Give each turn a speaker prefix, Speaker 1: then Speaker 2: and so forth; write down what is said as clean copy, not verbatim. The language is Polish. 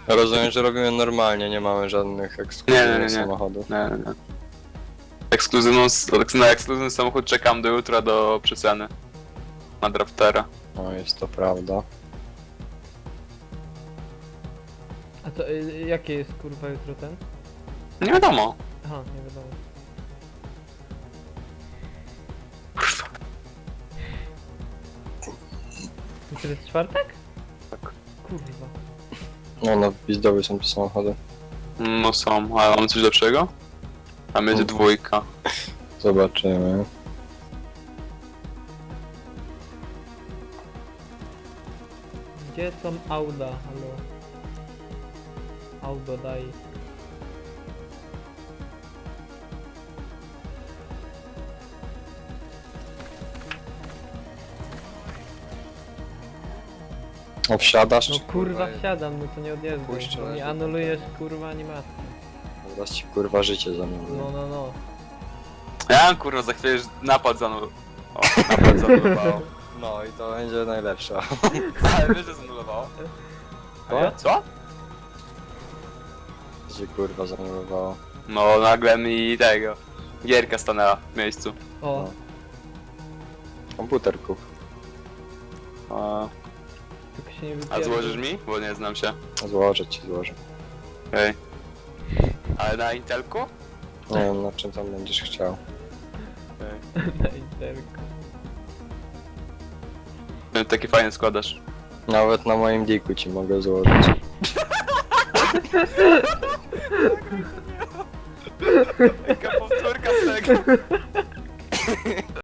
Speaker 1: Rozumiem, że robimy normalnie, nie mamy żadnych ekskluzywnych samochodów.
Speaker 2: Nie. Na ekskluzywny samochód czekam do jutra do przeceny. Na draftera.
Speaker 1: No jest to prawda.
Speaker 3: A to jakie jest kurwa jutro ten?
Speaker 2: Nie wiadomo.
Speaker 3: Aha, nie wiadomo. Jutro jest czwartek?
Speaker 2: Tak.
Speaker 3: Kurwa.
Speaker 1: No w Pizdowie są te samochody.
Speaker 2: No są, ale mamy coś lepszego? Tam jedzie dwójka.
Speaker 1: Zobaczymy.
Speaker 3: Gdzie są Auda? Halo. Auto daj.
Speaker 1: O, wsiadasz?
Speaker 3: No
Speaker 1: czy
Speaker 3: kurwa wsiadam, no to nie odjeżdżam.
Speaker 1: Puść,
Speaker 3: Bo mi
Speaker 1: razie,
Speaker 3: anulujesz kurwa animację.
Speaker 1: Zaraz ci kurwa życie zamienię.
Speaker 3: No.
Speaker 2: Ja kurwa za chwilę już napad zanul... O, napad zanulowało.
Speaker 1: No i to będzie najlepsza.
Speaker 2: Ale wiesz, że zanulowało?
Speaker 1: Co?
Speaker 2: Co?
Speaker 1: Gdzie kurwa zanulowało.
Speaker 2: No nagle mi tego... Gierka stanęła w miejscu.
Speaker 3: O,
Speaker 1: Komputer kup.
Speaker 2: A,
Speaker 3: tylko się nie
Speaker 2: a
Speaker 3: wypierdol.
Speaker 2: złożysz mi? Bo nie znam się.
Speaker 1: Złożę ci, złożę.
Speaker 2: Okej. Ale na Intelku?
Speaker 1: Nie wiem na czym tam będziesz chciał.
Speaker 2: Okej.
Speaker 3: Na Intelku.
Speaker 2: Taki fajny składasz.
Speaker 1: Nawet na moim diku ci mogę złożyć.
Speaker 2: Jaka powtórka z tego.